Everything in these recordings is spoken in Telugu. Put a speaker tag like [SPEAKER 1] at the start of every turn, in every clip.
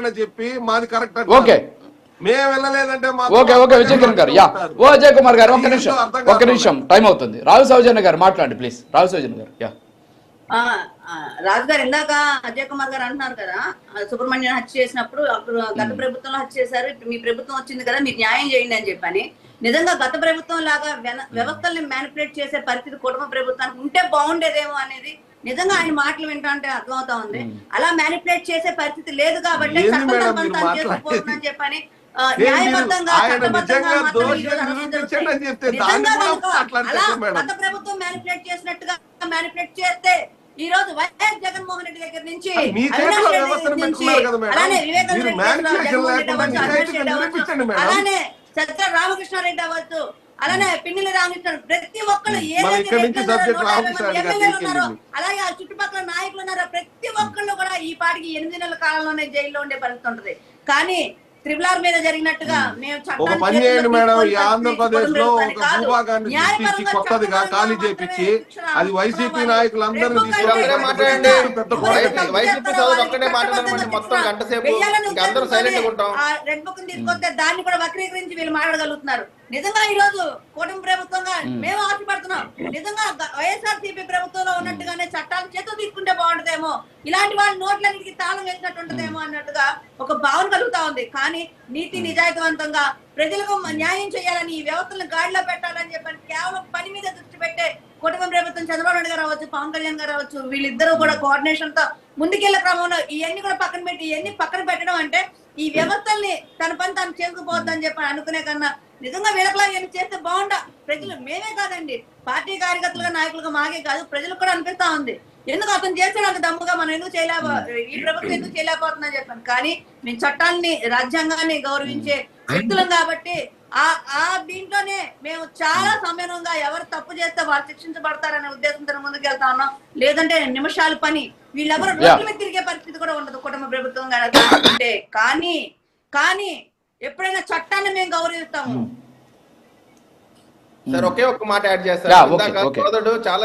[SPEAKER 1] ఆయన చెప్పి మాది కరెక్ట్
[SPEAKER 2] ఓకే
[SPEAKER 1] మేము వెళ్ళలేదంటే
[SPEAKER 2] ఓకే ఓకే విజయ్ కిరణ్ గారు ఓ అజయ్ కుమార్ గారు ఒక్క నిమిషం టైం అవుతుంది. రావు సౌజన్య గారు మాట్లాడండి ప్లీజ్. రావు సౌజన్య గారు.
[SPEAKER 3] రాజు గారు ఇందాక అజయ్ కుమార్ గారు అంటున్నారు కదా, సుబ్రహ్మణ్యం హత్య చేసినప్పుడు అప్పుడు గత ప్రభుత్వంలో హత్య చేశారు, ఇప్పుడు మీ ప్రభుత్వం వచ్చింది కదా మీరు న్యాయం చేయండి అని చెప్పని. నిజంగా గత ప్రభుత్వం లాగా వ్యవస్థల్ని మ్యానిపులేట్ చేసే పరిస్థితి కుటుంబ ప్రభుత్వానికి ఉంటే బాగుండేదేమో అనేది నిజంగా ఆయన మాటలు వింటా అంటే అర్థమవుతా ఉంది. అలా మ్యానిపులేట్ చేసే పరిస్థితి లేదు కాబట్టి చేసుకోవాలని చెప్పని న్యాయబద్ధంగా చట్టబద్ధంగా గత ప్రభుత్వం మ్యానిపులేట్ చేసినట్టుగా మ్యానిపులేట్ చేస్తే ఈ రోజు వైఎస్ జగన్మోహన్ రెడ్డి దగ్గర నుంచి అలానే అలానే సత్య రామకృష్ణారెడ్డి అవ్వచ్చు, అలానే పిన్నెల రామకృష్ణ, ప్రతి ఒక్కళ్ళు ఉన్నారో అలాగే ఆ చుట్టుపక్కల నాయకులు ఉన్నారో ప్రతి ఒక్కళ్ళు కూడా ఈ పాటికి 8 నెలల కాలంలోనే జైల్లో ఉండే పరిస్థితి ఉంటది. కానీ త్రిపుల్ మీద జరిగినట్టుగా మేము
[SPEAKER 1] ఒక పని చేయండి మేడం, ఈ ఆంధ్రప్రదేశ్ లో ఒక భూభాగాన్ని సృష్టించి కొత్తదిగా ఖాళీ చేపించి అది వైసీపీ నాయకులందరినీ
[SPEAKER 3] రెడ్ బుక్ తీసుకొస్తే దాన్ని కూడా వక్రీకరించి వీళ్ళు మాట్లాడగలుగుతున్నారు. నిజంగా ఈ రోజు కూటమి ప్రభుత్వంగా మేము ఆశపడుతున్నాం, నిజంగా వైఎస్ఆర్సీపీ ప్రభుత్వంలో ఉన్నట్టుగానే చట్టాలు చేతులు తీసుకుంటే బాగుంటుందేమో, ఇలాంటి వాళ్ళ నోట్లన్నిటికీ తాళం వేసినట్టు ఉంటుందేమో అన్నట్టుగా ఒక భావన కలుగుతా ఉంది. కానీ నీతి నిజాయితీవంతంగా ప్రజలకు న్యాయం చేయాలని, ఈ వ్యవస్థలను గాడిలో పెట్టాలని చెప్పని కేవలం పని మీద దృష్టి పెట్టే కుటుంబ ప్రభుత్వం చంద్రబాబు నాయుడు గారు అవ్వచ్చు, పవన్ కళ్యాణ్ గారు అవ్వచ్చు, వీళ్ళిద్దరూ కూడా కోఆర్డినేషన్ తో ముందుకెళ్లే క్రమంలో ఇవన్నీ కూడా పక్కన పెట్టి ఇవన్నీ పక్కన పెట్టడం అంటే ఈ వ్యవస్థల్ని తన పని తాను చేసుకుపోద్దని చెప్పి అనుకునే కన్నా నిజంగా వీళ్ళకలా ఏమి చేస్తే బాగుండా ప్రజలు, మేమే కాదండి పార్టీ కార్యకర్తలుగా నాయకులుగా మాకే కాదు ప్రజలకు కూడా అనిపిస్తా ఉంది. ఎందుకు అతను చేసాడు అంత దమ్ముగా మనం ఎందుకు ఈ ప్రభుత్వం ఎందుకు చేయలేకపోతుందని చెప్పాను. కానీ మేము చట్టాన్ని రాజ్యాంగాన్ని గౌరవించే వ్యక్తులం కాబట్టి ఆ దీంట్లోనే మేము చాలా సమయంగా ఎవరు తప్పు చేస్తే వాళ్ళు శిక్షించబడతారనే ఉద్దేశంతో ముందుకు వెళ్తా ఉన్నాం. లేదంటే నిమిషాల పని వీళ్ళెవరు రోడ్ల మీద తిరిగే పరిస్థితి కూడా ఉండదు కుటుంబ ప్రభుత్వం అంటే. కానీ ఎప్పుడైనా చట్టాన్ని మేము గౌరవిస్తాము.
[SPEAKER 4] సార్ ఒకే ఒక్క మాట యాడ్ చేస్తారు. చాలా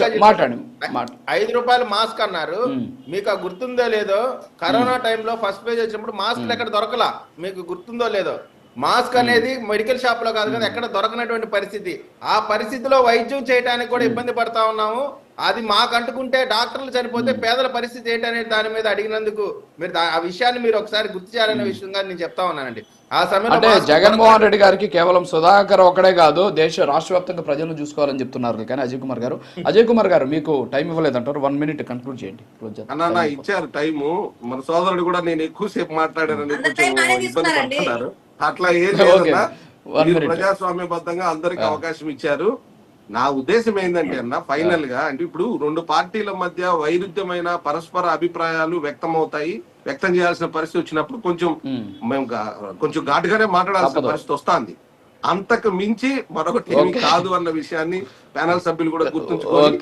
[SPEAKER 4] 5 రూపాయలు మాస్క్ అన్నారు, మీకు ఆ గుర్తుందో లేదో, కరోనా టైంలో ఫస్ట్ పేజ్ వచ్చినప్పుడు మాస్క్ ఎక్కడ దొరకలా, మీకు గుర్తుందో లేదో. మాస్క్ అనేది మెడికల్ షాప్ లో కాదు కదా, ఎక్కడ దొరకనటువంటి పరిస్థితి. ఆ పరిస్థితిలో వైద్యం చేయడానికి కూడా ఇబ్బంది పడతా ఉన్నాము. అది మాకు అంటుకుంటే డాక్టర్లు చనిపోతే పేదల పరిస్థితి ఏంటనేది దాని మీద అడిగినందుకు మీరు ఆ విషయాన్ని మీరు ఒకసారి గుర్తు చేయాలనే విషయంగా నేను చెప్తా ఉన్నానండి. ఆ సమయంలో
[SPEAKER 2] జగన్మోహన్ రెడ్డి గారికి కేవలం సుధాకర్ ఒకడే కాదు, రాష్ట్ర వ్యాప్తంగా ప్రజలను చూసుకోవాలని చెప్తున్నారు. కానీ అజయ్ కుమార్ గారు మీకు టైం ఇవ్వలేదంటారు, 1 minute కన్క్లూడ్ చేయండి.
[SPEAKER 1] అన్న ఇచ్చారు టైము, మన సోదరుడు కూడా నేను ఎక్కువసేపు మాట్లాడానని కొంచెం ఇబ్బంది పడుతున్నారు. అట్లా ఏం లేదన్నా, ప్రజాస్వామ్యబద్ధంగా అందరికి అవకాశం ఇచ్చారు. నా ఉద్దేశం ఏంటంటే అన్న ఫైనల్ గా అంటే ఇప్పుడు 2 పార్టీల మధ్య వైరుధ్యమైన పరస్పర అభిప్రాయాలు వ్యక్తం చేయాల్సిన పరిస్థితి వచ్చినప్పుడు మేము కొంచెం ఘాటుగానే మాట్లాడాల్సిన పరిస్థితి వస్తుంది. అంతకు మించి మరొకటి ఏమి కాదు అన్న విషయాన్ని ప్యానల్ సభ్యులు కూడా గుర్తుంచుకోవాలి.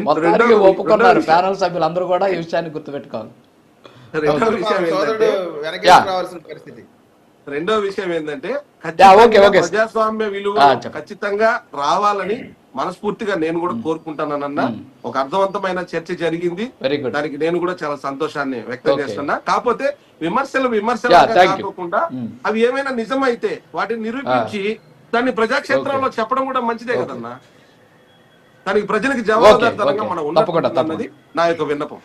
[SPEAKER 1] రెండో విషయం ఏంటంటే ప్రజాస్వామ్య విలువ ఖచ్చితంగా రావాలని మనస్ఫూర్తిగా నేను కూడా కోరుకుంటానన్న. ఒక అర్థవంతమైన చర్చ జరిగింది, దానికి నేను కూడా చాలా సంతోషాన్ని వ్యక్తం చేస్తున్నా. కాకపోతే విమర్శలు కాకుండా అవి ఏమైనా నిజమైతే వాటిని నిరూపించి దాన్ని ప్రజాక్షేత్రంలో చెప్పడం కూడా మంచిదే కదన్నా. దానికి ప్రజలకు జవాబుదారితనంగా మనం ఉన్నది నా యొక్క విన్నపం.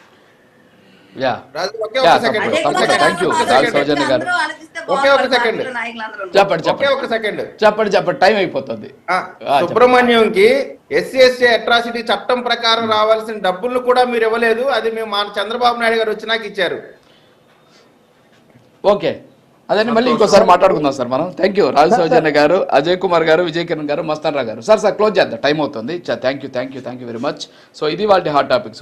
[SPEAKER 2] చెప్పండి టైం అయిపోతుంది.
[SPEAKER 4] సుబ్రహ్మణ్యంకి SC/ST అట్రాసిటీ చట్టం ప్రకారం రావాల్సిన డబ్బులు కూడా మీరు ఇవ్వలేదు, అది మేము మా చంద్రబాబు నాయుడు గారు వచ్చినాక ఇచ్చారు.
[SPEAKER 2] ఓకే, అదే మళ్ళీ ఇంకోసారి మాట్లాడుకుందాం సార్ మనం. థ్యాంక్ యూ రాజు సౌజన్య గారు, అజయ్ కుమార్ గారు, విజయ్ కిరణ్ గారు, మస్తాన్ రావు గారు. సార్ క్లోజ్ చేద్దాం, టైం అవుతుంది. Thank you very much. So ఇది వాళ్ళ హాట్ టాపిక్.